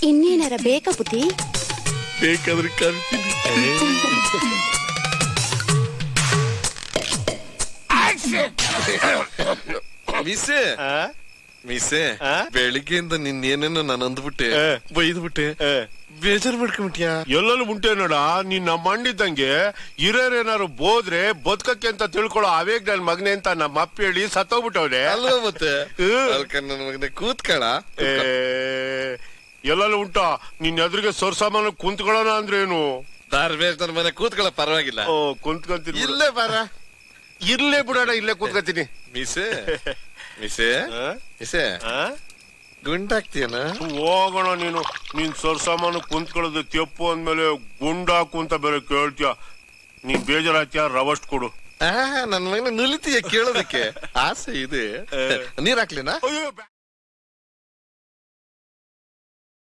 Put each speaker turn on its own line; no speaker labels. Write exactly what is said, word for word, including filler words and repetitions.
ಇನ್ನೇನಾರ ಬೇಕಾ ಬುದ್ಧಿ?
ಬೇಕಾದ್ರೆ ಕರಿತೀನಿ. ಮಿಸ್ಸೆ ಮಿಸ್ಸೆ ಬೆಳಿಗ್ಗೆಯಿಂದ ನಿನ್ನೇನೇನೋ ನಾನು ಅಂದ್ಬಿಟ್ಟೆ, ಬೈದ್ಬಿಟ್ಟೆ, ಬೇಜಾರು ಮಾಡ್ಕೊಂಬಿಟ್ಯಾ?
ಎಲ್ಲೆಲ್ಲೂ ಉಂಟೆ ನೋಡ. ನೀನ್ ನಮ್ಮ ಮಂಡಿದ್ದಂಗೆ ಹಿರಿಯರೇನಾರು ಬೋದ್ರೆ ಬದುಕಕ್ಕೆ ಅಂತ ತಿಳ್ಕೊಳ್ಳೋ ಅವೇಗ್ ನನ್ ಮಗನೆ ಅಂತ ನಮ್ಮ ಅಪ್ಪ ಹೇಳಿ ಸತ್ತೋಗ್ಬಿಟ್ಟವ್ರೆ
ಅಲ್ವಾ? ಮತ್ತೆ ನನ್ನ ಮಗನೆ ಕೂತ್ಕಳ.
ಎಲ್ಲೆಲ್ಲೂ ಉಂಟ. ನಿನ್ ಎದುರಿಗೆ ಸೊರ್ಸಾಮಾನು ಕುಂತ್ಕೊಳ್ಳೋಣ ಅಂದ್ರೆ ಏನು?
ದಾರ್ಬೇಸ್ ನನ್ನ ಮನೆ ಕೂತ್ಕೊಳ್ಳ ಪರವಾಗಿಲ್ಲ.
ಓ ಕುಂತ್ಕೊಂತೀನಿ.
ಇಲ್ಲೇ ಬಾರ.
ಇರ್ಲೇ ಬಿಡೋಣ, ಇಲ್ಲೇ ಕೂತ್ಕೊತೀನಿ.
ಮಿಸೆ ಮಿಸೆ ಮಿಸೆ ಗುಂಡಾಕ್ತೀಯನ?
ಹೋಗೋಣ. ನೀನು ನೀನ್ ಸೊರ್ಸಾಮಾನು ಕುಂತ್ಕೊಳ್ಳೋದು ತೆಪ್ಪು ಅಂದ್ಮೇಲೆ ಗುಂಡಾಕು ಅಂತ ಬೇರೆ ಕೇಳ್ತೀಯ. ನೀನ್ ಬೇಜಾರಾಗ್ತೀಯ, ರವಸ್ಟ್ ಕೊಡು.
ನನ್ ಮಗನ ನುಲಿತೀಯ ಕೇಳೋದಕ್ಕೆ ಆಸೆ ಇದೆ. ನೀರ್ ಹಾಕ್ಲಿನಾ?